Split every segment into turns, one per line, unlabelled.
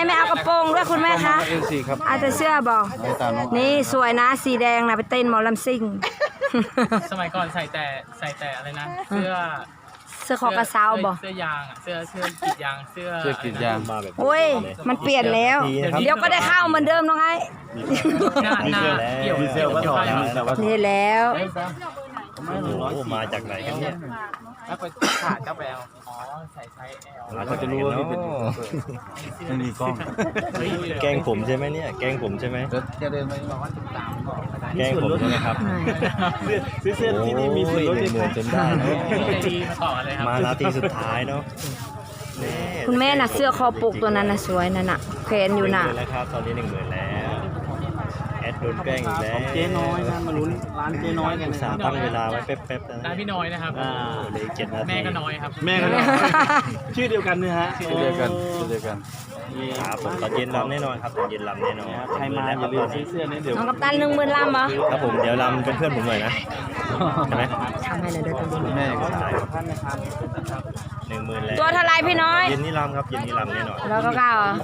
ไม่เอากระโปรงด้วยคุณแม่คะ
เอ็นซีครับ
เอาแต่เสื้อบอกนี่สวยนะสีแดงนะไปเต้นหมอลำซิ่ง
สมัยก่อนใส่แต่อะไรนะเสื้อ
คอกระเซาบอก
เสื้อยางอ่ะเสื้อกรีดยางเสื้อกรีดยาง
มาแบบ
โอ้ยมันเปลี่ยนแล้ว เดี๋ยวก็ได้เข้าเหมือนเดิมน้องไอ้
หน้าเกี่ยว
ดีเซลก็ถอดดีเซลก็ถอด
นี่แล้ว
โอ้โหมาจากไหนกันเนี่ย
แล้วไปขาดเจ้าแบลอ๋อใส่ไซส์ L
เขาจะรู้ว่าพี่เป็นไม่มีกล้อง
แกล้งผมใช่ไหมเนี่ยแกล้งผมใช่ไหม
จะเดินไป
บอกว่าติดตามก่อนก็ได้
แกล้งผมใช่ไหมครับ
ซื้อเสื้อที่นี่มีส่วนลด
หนึ่งหมื่นจนได้เนาะ
ใจดีมาต่อกันเลยครับ
มานาทีสุดท้ายเนาะแน่
คุณแม่น่ะเสื้อคอปกตัวนั้นน่ะสวยนั่นน่ะแขวนอยู่น่ะ
10,000แล้วครับตอนนี้10,000แล้วแอดโดนแกล้งอีกแล้ว
เจ๊น้อยนะมาลุ้นร้านเจ๊น้อยกัน
อุตส่าห์ตั้งเวลาไว้แป๊บๆนะ
ร้านพี่น้อยนะครับ
เหลย7 นาที
แม่ก็น้อยครับ
แม่กันชื่อเดียวกันนะฮะชื่อเดียวกันชื่อเดียวกัน
ครับผมตอนเย็นรำแน่นอนครับตอนเย็นรำแน่นอน
ใครมาอย่าลืมซื้อเสื้อนี้เดี๋ยว
น้องกัปตัน10,000ลำเหรอ
ครับผมเดี๋ยวรำเป็นเพื่อนผมหน่อยนะใช่ไหม
ทำให้หน่อยเด้อตัวนี้
แม่ก็
ใช่
ใช่
ครับ10,000แล้ว
ตัวเท่าไรพี่น้อย
เย็นนี้รำครับเย็นนี้รำแน่นอน
แล้วก็เก้าเหรอ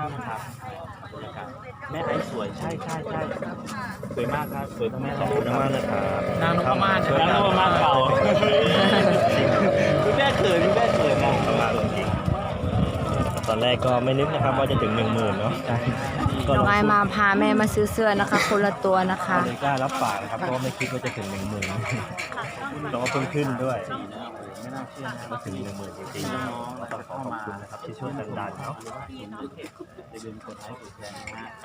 แม่ไอ้สวยใช่สวยมากครับสวยทั้งแม่
ขอบคุณมากนะครับ
นางนพมาศ
ช่วย
นางนพมาศเก่า คุณแม่เขินคุณแม่เขินนะ
มากจริงตอนแรกก็ไม่นึกนะครับว่าจะถึง 10,000เนาะก็
น้องไอมาพาแม่มาซื้อเสื้อนะคะ คนละตัวนะคะ
เลยกล้ารับปากนะครับเพราะว่าไม่คิดว่าจะถึง 10,000แล้วก็เพิ่งขึ้นด้วย
ไม่น่าเชื่อนะ
มาถึง 10,000จริงๆก็ต้องขอขอบคุณนะครับที่ช่วยกันดันเนาะ
อย่าลืมกดไลค์กดแชร์นะฮะ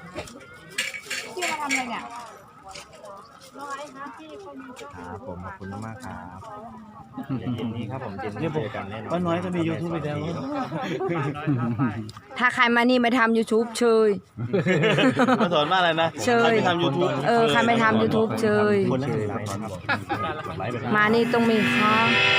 ครับผมขอบคุณมากครับเย็นนี้ครับผมเย็นนี้เจอกันแน่นอน
ป้าน้อยก็มียูทูบไปแล้ว
ถ้าใครมานี่มาทำ YouTube เชย
มาสอนว่าอะไรนะ
เชย
ใครไปทำยูทูบ
ใครไม่ทำ YouTube เชย
คนละ1 ไลค์นะครับกดไลค์ไป
มานี่ต้องมีค่ะ